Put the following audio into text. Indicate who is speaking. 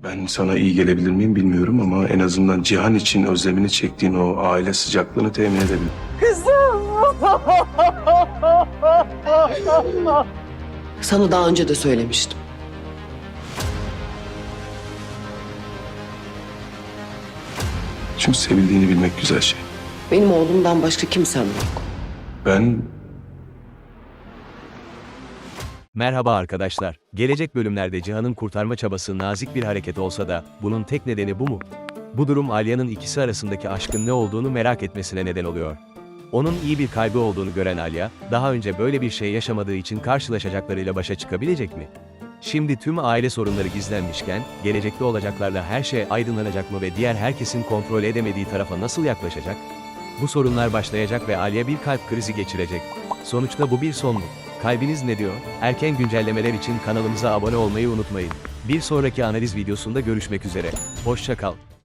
Speaker 1: Ben sana iyi gelebilir miyim bilmiyorum ama en azından Cihan için özlemini çektiğin o aile sıcaklığını temin edebilirim.
Speaker 2: Sana daha önce de söylemiştim.
Speaker 1: Çünkü sevildiğini bilmek güzel şey.
Speaker 2: Benim oğlumdan başka kimsem yok.
Speaker 1: Ben
Speaker 3: Merhaba arkadaşlar. Gelecek bölümlerde Cihan'ın kurtarma çabası nazik bir hareket olsa da bunun tek nedeni bu mu? Bu durum Alya'nın ikisi arasındaki aşkın ne olduğunu merak etmesine neden oluyor. Onun iyi bir kalbi olduğunu gören Alya, daha önce böyle bir şey yaşamadığı için karşılaşacaklarıyla başa çıkabilecek mi? Şimdi tüm aile sorunları gizlenmişken, gelecekte olacaklarla her şey aydınlanacak mı ve diğer herkesin kontrol edemediği tarafa nasıl yaklaşacak? Bu sorunlar başlayacak ve Alya bir kalp krizi geçirecek. Sonuçta bu bir son mu? Kalbiniz ne diyor? Erken güncellemeler için kanalımıza abone olmayı unutmayın. Bir sonraki analiz videosunda görüşmek üzere. Hoşça kal.